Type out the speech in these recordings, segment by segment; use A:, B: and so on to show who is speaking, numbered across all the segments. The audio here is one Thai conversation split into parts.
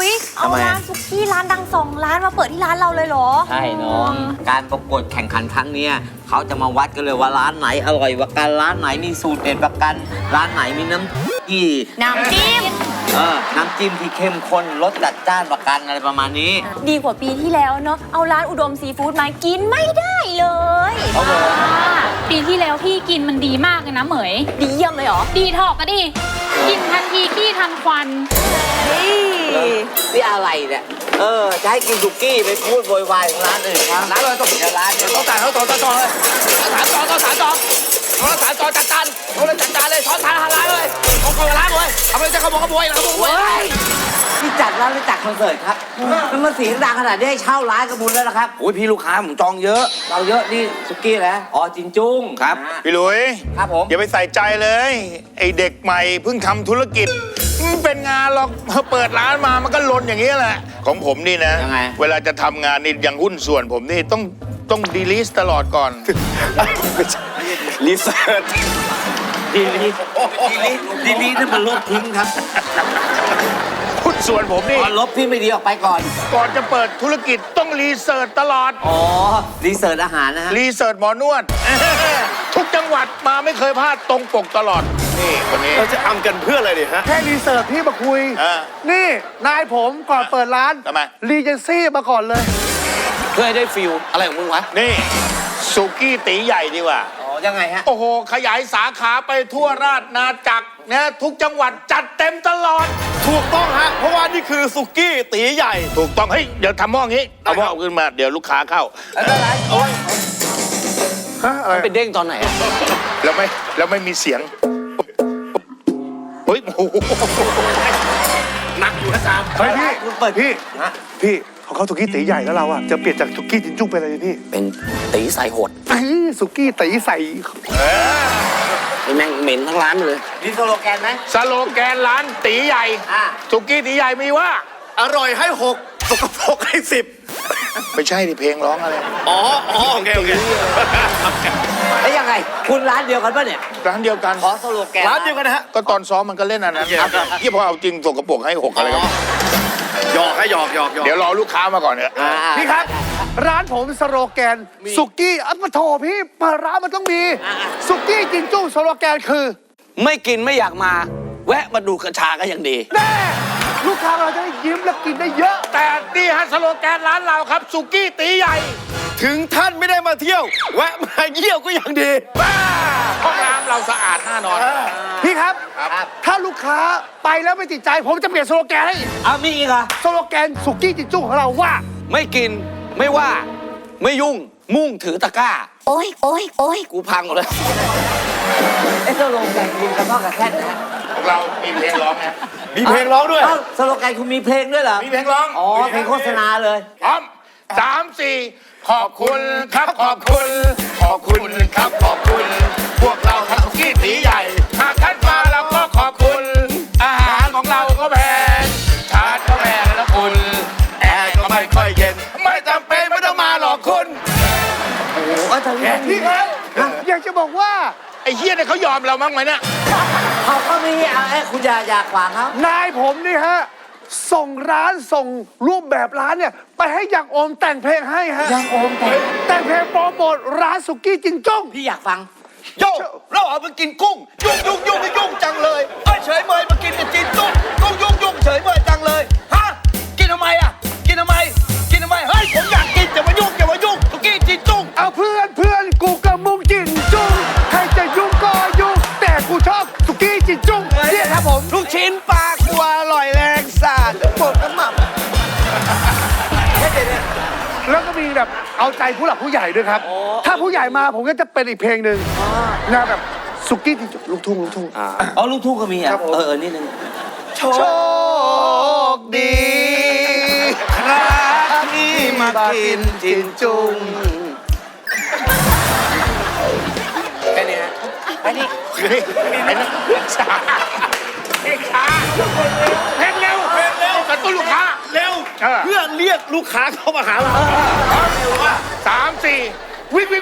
A: ยเอาร้านซุกี้ร้านดัง2 ร้านมาเปิดที่ร้านเราเลยเหรอ
B: ใช่น้องการประกวดแข่งขันครั้งนี้เขาจะมาวัดกันเลยว่าร้านไหนอร่อยกว่ากันร้านไหนมีสูตรเด็ดกว่ากันร้านไหนมีน้ำจิ้ม
A: น้ำจิ้ม
B: ที่เข้มข้นรสจัดจ้านกว่ากันอะไรประมาณนี้
A: ดีกว่าปีที่แล้วเนาะเอาร้านอุดมซีฟู้ดมากินไม่ได้เลย
C: ปีที่แล้วพี่กินมันดีมากเลยนะเหมย
A: ดีเยี่ยมเลยเหรอ
C: ดีถอกก็ดิกินทันทีขี้ทันควัน
B: นี่อะไรเนี่ยจะให้กินสุกี้ไปพูดโวยวายของร้านอื่นครับร้านเราต้องร้านเดี๋ยวต้องจ่ายเขาต่อเลยสามจอจัดจานจัดจานเลยช้อนทานร้านเลยเอาเข้าร้านเลยเอาไปจะขโมยที่จัดร้านหรือจัดคอนเสิร์ตครับมันมาเสียงดังขนาดนี้ให้เช่าร้านกระบุญแล้วนะครับโอ้ยพี่ลูกค้าผมจองเยอะเราเยอะนี่สุกี้แล้วจินจุ้ง
D: ครับพี่หลุย
B: ครับผม
D: อย่าไปใส่ใจเลยไอเด็กใหม่เพิ่งทำธุรกิจเป็นงานหรอกเปิดร้านมามันก็ลนอย่างนี้แหละของผมนี่นะเวลาจะทำงานนี่อย่างหุ้นส่วนผมนี่ต้องดีลิสตลอดก่อน
B: รีเสิร์ชดีลิสนี่มันลบทิ้งครับ
D: หุ้นส่วนผมนี่
B: ลบที่ไม่ดีออกไปก่อน
D: จะเปิดธุรกิจต้องรีเสิร์ชตลอด
B: รีเสิร์ชอาหารนะฮะ
D: รีเสิร์ชหมอนวดทุกจังหวัดมาไม่เคยพลาดตรงปกตลอดนี่คนนี้
E: เราจะทำกันเพื่ออะไรดิฮะ
F: แค่รีเสิร์ชพี่มาคุยนี่นายผมก่อนเปิดร้าน
D: ทำไม
F: รีเจนซี่มาก่อนเลย
B: เพื่อให้ได้ฟิลอะไรของมึงวะ
D: นี่สุกี้ตีใหญ่ดีกว่า
B: ยังไงฮะ
D: โอ้โหขยายสาขาไปทั่วราชนาจักรนะทุกจังหวัดจัดเต็มตลอด
E: ถูกต้องฮะเพราะว่านี่คือสุกี้ตีใหญ่
D: ถูกต้องเฮ้ยเดี๋ยวทำหม้องี้เอาหม้อขึ้นมาเดี๋ยวลูกค้าเข้า
B: อะไรโอ้ยมันเป็นเด้งตอนไหน
D: แล้วไม่มีเสียงเฮ้ยโอ้โห
E: หนักอยู่นะจาม
F: เฮ้ยพี่เปิดพี่เขาเข้าสุกี้ตีใหญ่แล้วเราอะจะเปลี่ยนจากสุกี้จินจุ้งเป็นอะไรพี่
B: เป็นตีใส่หด
F: สุกี้ตีใส่
B: แม่งเหม็นทั้งร้านเลยมีสโลแกนไหม
D: สโลแกนร้านตีใหญ่สุกี้ตีใหญ่มีว่า
E: อร่อยให้6สกปรกให้10
D: ไม่ใช่ดิเพลงร้องอะไร
E: โอเค
B: แล้วยังไงคุณร้านเดียวกันป่ะเนี่ย
D: ร้านเดียวกัน
B: ขอสโลแกน
E: ร้านเดียวกันนะฮะ
D: ก็ตอนซ้อมมันก็เล่นอันนั้นที่พอเอาจริงสกปรกให้6อะไรกัน
E: หยอก
D: เดี๋ยวรอลูกค้ามาก่อนเถอะ
F: พี่ครับร้านผมสโลแกนสุกี้ปะโถพี่เปิดร้านมันต้องมีสุกี้จินจุ้งสโลแกนคือ
B: ไม่กินไม่อยากมาแวะมาดูกระชาก็ยังดี
F: แน่ลูกค้าเราจะได้ยิ้มและกินได้เยอะ
D: แต่นี่ฮะสโลแกนร้านเราครับสุกี้ตีใหญ่
E: ถึงท่านไม่ได้มาเที่ยวแวะมาเยี่ยวก็ยังดี
D: ห้องน้ำเราสะอาดแน่นอน
F: พี่ครับถ้าลูกค้าไปแล้วไม่ติดใจผมจะเปลี่ยนสโลแกนให้
B: มีอีกเหรอ
F: สโลแกนสุกี้จินจุ้งของเราว่า
B: ไม่กินไม่ว่าไม่ยุ่งมุ่งถือตะกร้าโอ้ยกูพังหมดเลยสโลแกนคุณกระเพาะกระแทกนะ
D: ของเรามีเพลงร้องนะ
E: มีเพลงร้องด้วย
B: สโลแกนคุณมีเพลงด้วยเหรอ
D: มีเพลงร้อง
B: เพลงโฆษณาเลย
D: พร้อม3 4ขอบคุณครับขอบคุณครับขอบคุณพวกเราทำสุกี้ตีใหญ่หากท่านมาเราก็ขอบคุณอาหารของเราก็แพงชาติก็แพงแล้วคุณแอร์ก็ไม่ค่อยเย็นไม่จำเป็นไม่ต้องมาหรอกคุณ
B: โอ้โหก็ทำอย่าง
F: นี้ครับอยากจะบอกว่า
D: ไอ้เฮียเนี่ยเขายอมเรามั้งไหมเนี่ย
B: เขาก็มีคุณอย่าขวางเขา
F: นายผมนี่ฮะส่งร้านส่งรูปแบบร้านเนี่ยไปให้ยังโอมแต่งเพลงให้ฮะ
B: ยังโอม
F: แต่งเพลงโปรโมทร้านสุกี้จินจุ้ง
B: พี่อยากฟัง
E: โย่เราเอาไปกินกุ้งยุ่งจังเลยเฉยเมยมากินกับจินจุ้งยุ่งเฉยเมยจังเลยฮะกินทำไมกินทำไมเฮ้ยผมอยากกินจะมายุ่งสุกี้จินจุ้ง
F: เอาเพื่อนกูกับมึงจินจุ้งใครจะยุ่งก็ยุ่งแต่กูชอบสุกี้จินจุ้งเนี่ยครับผม
E: ลูกชิ้นปลากัวอร่อยแรงสาดปวดน้ำมัน
F: แล้วก็มีแบบเอาใจผู้หลักผู้ใหญ่ด้วยครับถ้าผู้ใหญ่มาผมก็จะเป็นอีกเพลงหนึ่งนะแบบสุกี้จินจุ้งลูกทุ่ง
B: ลูกทุ่งก็มีนิดนึง
E: โชคดีครับที่มากินจินจุ้ง
B: แค่นี้ฮะแค่นี้
D: เพลงช้าเพลงเร็วกระตุ้นลูกค้า
E: เร็วเพื่อเรียกลูกค้าเข้ามาหาเรา
D: 3 4วิ่ง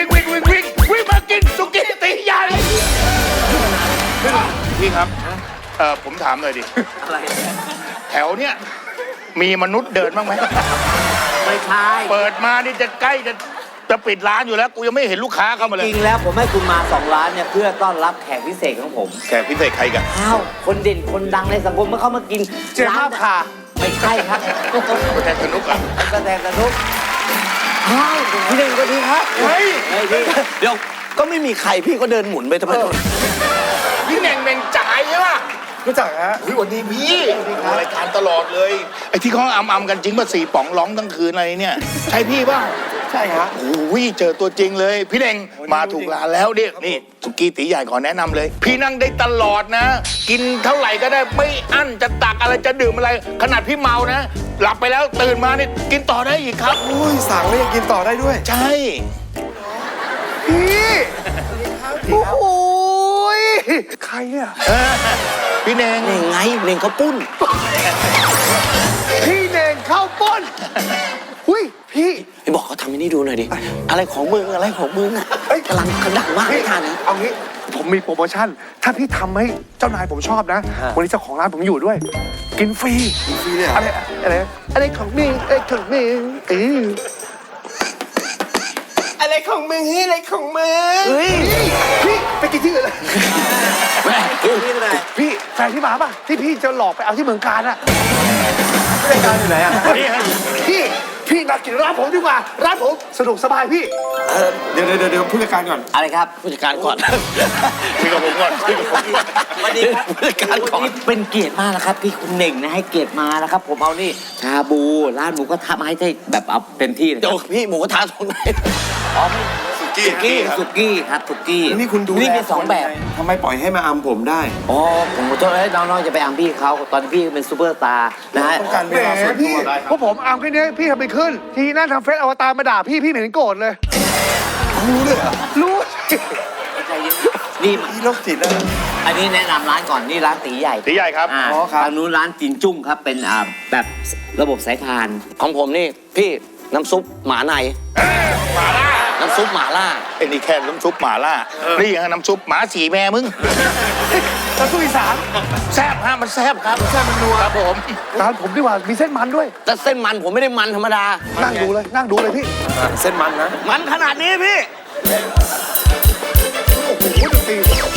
D: มากินสุกี้ตีใหญ่พี่ครับผมถามหน่อยดิ
B: อะไร
D: แถวเนี้ยมีมนุษย์เดินบ้างไหม
B: ไม่ใช่
D: เปิดมานี่จะใกล้จะปิดร้านอยู่แล้ว กูยังไม่เห็นลูกค้าเข้ามาเล
B: จ
D: ย
B: ริงแล้วผมให้คุณมา2 ร้านเนี่ยเพื่อต้อนรับแขกพิเศษของผม
D: แขกพิเศษใครกัน
B: อ้าวคนเด่นคนดังในสังคมเมื่อเขามากิน
F: เจ๊ภาพค่ะ
B: ไม่ใช่ครับ
D: แทนสนุกอ่ะ
B: แสดงสนุกอ้าวพี่เด่นก็ดีครับ
D: เฮ้ย
B: เฮ้ยพี่
E: เดี๋ยวก็ไม่มีใครพี่ก็เดินหมุนไปทำไม
D: พี่เน่งเน่งจ่ายใช่ป่ะ
F: รู้จักฮะ
D: เฮ้ยวันนี้พี่ดูรายการตลอดเลยไอ้ที่เขาอำกันจริงป่ะ4 ป๋องร้องทั้งคืนอะไรเนี่ยใช่พี่ป่ะ
F: ใช่ฮะ
D: โอ้ยเจอตัวจริงเลย พี่เน่งมาถูกร้านแล้วเนี่ยนี่สุกี้ตีใหญ่ขอแนะนำเลย พี่นั่งได้ตลอดนะ กินเท่าไหร่ก็ได้ไม่อั้นจะตักอะไรจะดื่มอะไร ขนาดพี่เมานะ หลับไปแล้วตื่นมาเนี่ยกินต่อได้อีกครับ
F: อุ้ยสั่งแล้วยังกินต่อได้ด้วย
D: ใช่
F: พี่โอ้โหยใครอ่ะ
D: พี่เน่ง
E: เน่งไงเน่งเขาปุ้น
F: พี่เน่งเข้าป้นอุ้ยพี่
E: ไอ้บอกเขาทำให้นี่ดูหน่อยดิ อะไรของมึงอะไรของมึงอ่ะ
F: เฮ้ย
E: กำลังกระดังมากไม่ทันนะ
F: เอางี้ผมมีโปรโมชั่น ถ้าพี่ทำให้เจ้านายผมชอบนะ วันนี้เจ้าของร้านผมอยู่ด้วย กินฟรีเลยอะไรของมึงอะไรของมึงอะไรของมึงเฮ้ยอะไรของมึงเฮ้ยพี่ไปกินที่อื่นเลยพี่แฟนพี่หมาป่ะที่พี่จะหลอกไปเอาที่เมืองการอะรายการอยู่ไหนอะพี่นัดกินร้านผมดีกว่าร้านผมสะดวกสบายพี่เดี๋ยวผู้จัดการก่อน
B: อะไรครับ
E: ผู้จัดการก่อน
D: คุยกับผมก่อนคุยกับผมก่อน
B: สวัสดีครับ
E: ผู้จัดการก่อน
B: เป็นเกียรติมากนะครับที่คุณเน่งนะให้เกียรติมานะครับ ผมเอานี่ชาบูร้านหมูกระทะมาให้ได้แบบเอาเต็มที่เลย
E: เดี๋ยวพี่หมูกระทะตรงไหน
B: อ๋อไม่สุกี้สุกี้ครับสุกี้
F: นี่คุณดู
B: นี่มี2 แบบ
F: ทำไมปล่อยให้มาอำผมได้
B: อ๋อผมขอโทษน้องๆจะไปอัมพี่เขาตอนที่พี่เป็นซูเปอร์สตาร์นะฮะ
F: ต้องการเวลาส่วนตัวได้พวกผมอำแค่นี้พี่ทำไปขึ้น ทีหน้าทำเฟซอวตารมาด่าพี่ไม่เห็นโกรธเลยรู้เลยรู้สิ
B: นี่
F: พี่โรคจิตแล้ว
B: อันนี้แนะนำร้านก่อนนี่ร้านตีใหญ่
D: ตีใหญ่ครับ
B: อ่า
F: อ๋อครับ
B: ทางนู้นร้านจินจุ้งครับเป็นแบบระบบสายพาน
E: ของผมนี่พี่น้ำซุปหมาใน
D: หมาล่า
E: น้ำซุปหมาล่า
D: ไอ้นี่แค่น้ำซุปหมาล่านี่ยังน้ำซุปหมาสีแม่มึง
F: แล้วสู้อีสาน
D: แซ่บฮะมันแซ่บครับแซ่บมันนัวครับผม
F: ร้านผมดีกว่ามีเส้นมันด้วย
E: แต่เส้นมันผมไม่ได้มันธรรมดา
F: นั่งดูเลยพี่ เส้นมันนะ
E: มันขนาดนี้พี่
F: โอ้โหดนตรี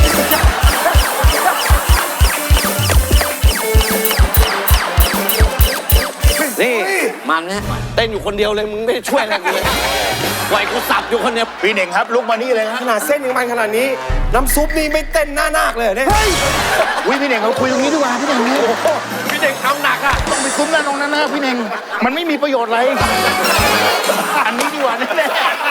E: นี่
B: มันนะ
E: เต้นอยู่คนเดียวเลยมึงไม่ได้ช่วยอะไรกูเลยปล่อยกูสับอยู่คนเดียว
D: พี่เน่งครับลุกมานี่เลยฮะ
F: ขนาดเส้นยังมันขนาดนี้ น้ำซุปนี่ไม่เต้นหน้านาคเลยเนี่ย
D: อุ้ยพี่เน่งเราคุยตรงนี้ดีกว่าพี่เน่งพี่เน่งเอาหนักอ่ะต้องไปซุ้มหน้าตรงนั้นนะพี่เน่งมันไม่มีประโยชน์อะไรอันนี้ดีกว่าแน่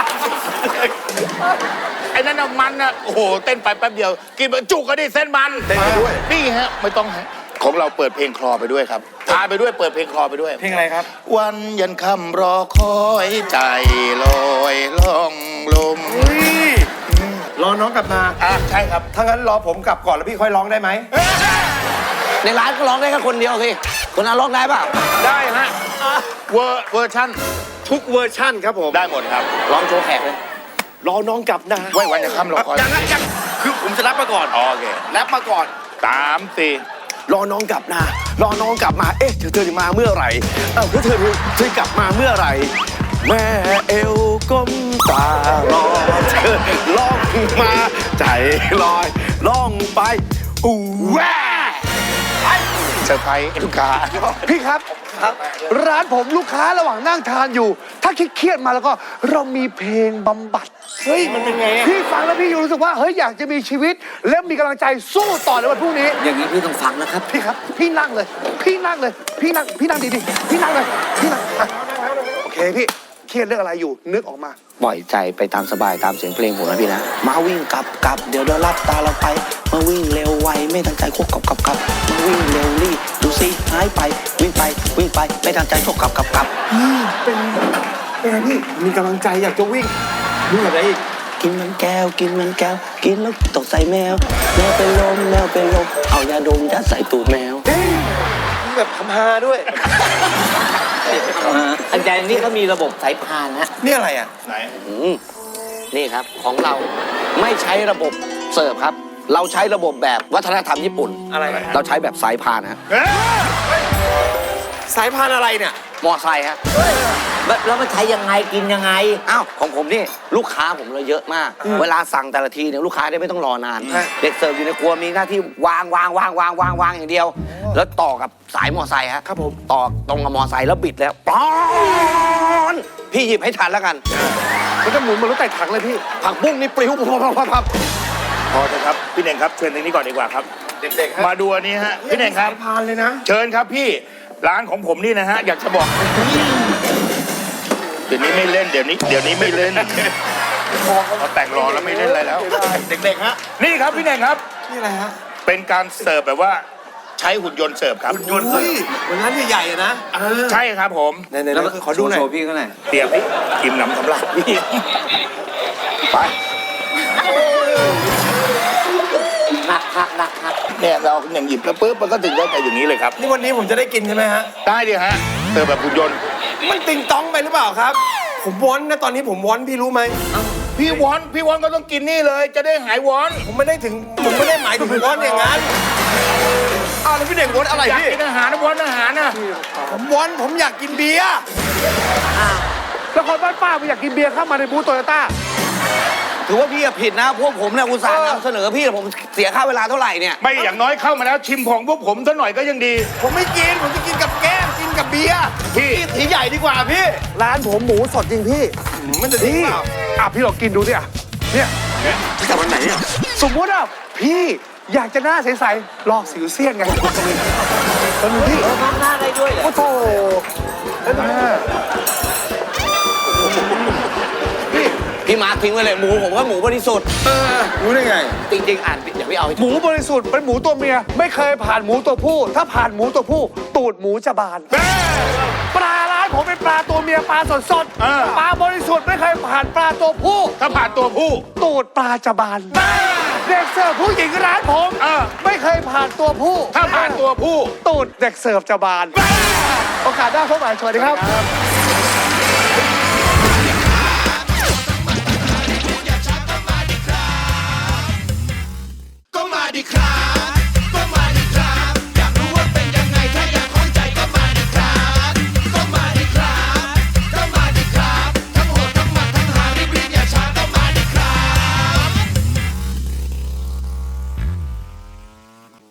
D: ๆไอ้นั่นน่ะมันน่ะโอ้โหเต้นไปแป๊บเดียว กินไปจุกก็ได้เส้นมันเต้นไปด้วยนี่ฮะไม่ต้องฮะของเราเปิดเพลงคลอไปด้วยครับทานไปด้วยเปิดเพลงคลอไปด้วย
F: เพลงอะไรครับ
D: วันยันค่ำรอคอยใจลอยล่องลม
F: รอน้องกลับมา
D: ใช่ครับ
F: ถ้างั้นรอผมกลับก่อนแล้วพี่ค่อยร้องได้ไหม
E: ในร้านก็ร้องได้แค่คนเดียวสิคนนั้นร้องได้เปล่า
D: ได้ฮะเวอร์ชั่น
F: ทุกเวอร์ชั่นครับผม
D: ได้หมดครับ
E: ร้องโชว์แขกเลย
F: รอน้องกลับนะ
D: ไว้วันยันค่ำรอคอย
F: ยังคือผมจะรับมาก่อน
D: โอเค
F: รับมาก่อน
D: 3
G: รอน้องกลับนะ รอน้องกลับมา เอ๊ะเธอจะมาเมื่อไหร่เธอกลับมาเมื่อไหร่ แม่เอวก้มตารอเธอล่องมาใจลอยล่องไปอู้แว่
D: 4เซอร์ไพรส์ลูกค้า
F: พี่ครับ ร้านผมลูกค้าระหว่างนั่งทานอยู่ ถ้าเครียดๆมาแล้วก็เรามีเพลงบำบัด เฮ้ย มันเป็นไงพี่ฟังแล้วพี่รู้สึกว่า เฮ้ย อยากจะมีชีวิต และมีกำลังใจสู้ต่อในวันพรุ่งนี้
B: อย่างนี้พี่ต้องฟังนะครับ
F: พี่ครับ พี่นั่งเลย พี่นั่งดีๆ พี่นั่งเลย พี่นั่งอ่ะโอเคพี่ เครียดเรื่องอะไรอยู่ นึกออกมา
E: ปล่อยใจไปตามสบายตามเสียงเพลงผมนะพี่นะ
G: มาวิ่งกลับเดี๋ยวรับตาเราไป มาวิ่งเร็วไวไม่ตั้งใจควบกลับมาวิ่งเร็วรีบดูสิหายไปวิ่งไปไม่ตั้งใจควบกลับ
F: เป็นไงพี่ มีกำลังใจอยากจะวิ่งวิ่งอะไรอีก
G: กินมันแก้ว กินแล้วตกใส่แมวเป็นลมเอายาดมยัดใส่ตูดแมว
F: แบบคำฮาด้วย
B: อันใจนี้ก็มีระบบสายพานฮะ
F: นี่อะไรอ่ะ
D: ไหน
E: นี่ครับของเราไม่ใช้ระบบเสิร์ฟครับ
G: เราใช้ระบบแบบวัฒนธรรมญี่ปุ่น
E: อะไร
G: เราใช้แบบสายพานฮะ
E: สายพานอะไรเนี่ย
G: มอไซค์ฮะ
B: แล้วมันใช้ยังไงกินยังไง
G: อ้าวของผมนี่ลูกค้าผมเราเยอะมาก เวลาสั่งแต่ละทีเนี่ยลูกค้าได้ไม่ต้องรอนาน เด็กเสิร์ฟอยู่ในครัวมีหน้าที่วางอย่างเดียว แล้วต่อกับสายมอไซค์ฮะครับผมต่อตรงกับมอไซค์แล้วบิดแล้วป๊อนพี่หยิบให้ทันแล้วกัน
F: มันจะหมุนเหมือนรถไต่ถังเลยพี่
G: ผักบุ้งนี่ปลิวพับ
D: พอเถอะครับพี่เน่งครับเชิญตรงนี้ก่อนดีกว่าครับ
E: เด็กๆ
D: มาดูอันนี้ฮะพี่เน่งครับ
E: พานเลยนะ
D: เชิญครับพี่ร้านของผมนี่นะฮะอยากจะบอกเดี๋ยวนี้ไม่เล่นเดี๋ยวนี้ไม่เล่นเขาแต่งรอแล้วไม่เล่นอะไรแล้ว
E: เด็กๆฮะ
D: นี่ครับพี่เน่งครับ
E: นี่อะไรฮะ
D: เป็นการเสิร์ฟแบบว่าใช้หุ่นยนต์เสิร์ฟครับ
E: ยนต์เลยเหมือนร้านใหญ่ๆอะนะ
D: ใช่ครับผม
E: ไหนๆขอดูหน่อย
B: โชว์พี่เขาหน่อย
D: เตรียมพี่กินน้ำสำหรับพี่ไป
B: หนัก
D: เนี่ยเราอย่างหยิบแล้วปุ๊บมันก็ถึงได้แต่อย่างนี้เลยครับ
E: นี่วันนี้ผมจะได้กินใช่ไหมฮะ
D: ได้ดิฮะเสิร์ฟแบบหุ่นยนต์
E: มันติงต้องไปหรือเปล่าครับ ผมวอนนะตอนนี้ผมวอนพี่รู้ไหม
D: พี่วอนก็ต้องกินนี่เลยจะได้หายวอน
E: ผมไม่ได้หมายถึงวอนอย่างนั้นอ้าวแล้วพี่เด็กวอนอะไร
D: อยาก
E: พี่
D: กินอาหารนะวอนอาหารนะ
E: ผมอยากกินเบียร์
F: แล้วคนบ้านป้าไม่อยากกินเบียร์เข้ามาในบูธโตโยต้า
G: ถือว่าพี่ผิดนะพวกผมเนี่ยอุตส่าห์นำเสนอพี่ผมเสียค่าเวลาเท่าไหร่เนี่ย
D: ไม่อย่างน้อยเข้ามาแล้วชิมของพวกผมซะหน่อยก็ยังดี
E: ผมไม่กินผมจะกินกับแก้มกินกับเบียร์
D: พี่
E: สีใหญ่ดีกว่าพี่
F: ร้านผมหมูสดจริงพี่
E: มันจะดี
F: นี่
E: เปล่า
F: พี่ลองกินดูสิอ่ะเนี่ย
E: จะวันไหนเนี่ย
F: สมมติอ่ะพี่อยากจะหน้าใสๆลอกสิวเซียนไงตอนนี้พี่
B: ทำหน้าได้ด้วยเหรอ
F: โอ้โห
G: พี่มาร์คทิ้งไว้เลยหมูผมว่าหมูบริสุทธิ์
E: รู้ได้ไง
G: จริงๆอ่านอย่าไปเอาให้
F: หมูบริสุทธิ์เป็นหมูตัวเมีย ไม่เคยผ่านหมูตัวผู้ ถ้าผ่านหมูตัวผู้ ตูดหมูจะบาน ปลาร้านผมเป็นปลาตัวเมียปลาสด
D: เออ
F: ปลาบริสุทธิ์ไม่เคยผ่านปลาตัวผู้
D: ถ้าผ่านตัวผู้
F: ตูดปลาจะบานเด็กเสิร์ฟผู้หญิงร้านผม
D: เออ
F: ไม่เคยผ่านตัวผู้
D: ถ้าผ่านตัวผู้
F: ตูดเด็กเสิร์ฟจะบาน โอกาสหน้าพบกันสวัสดีครับ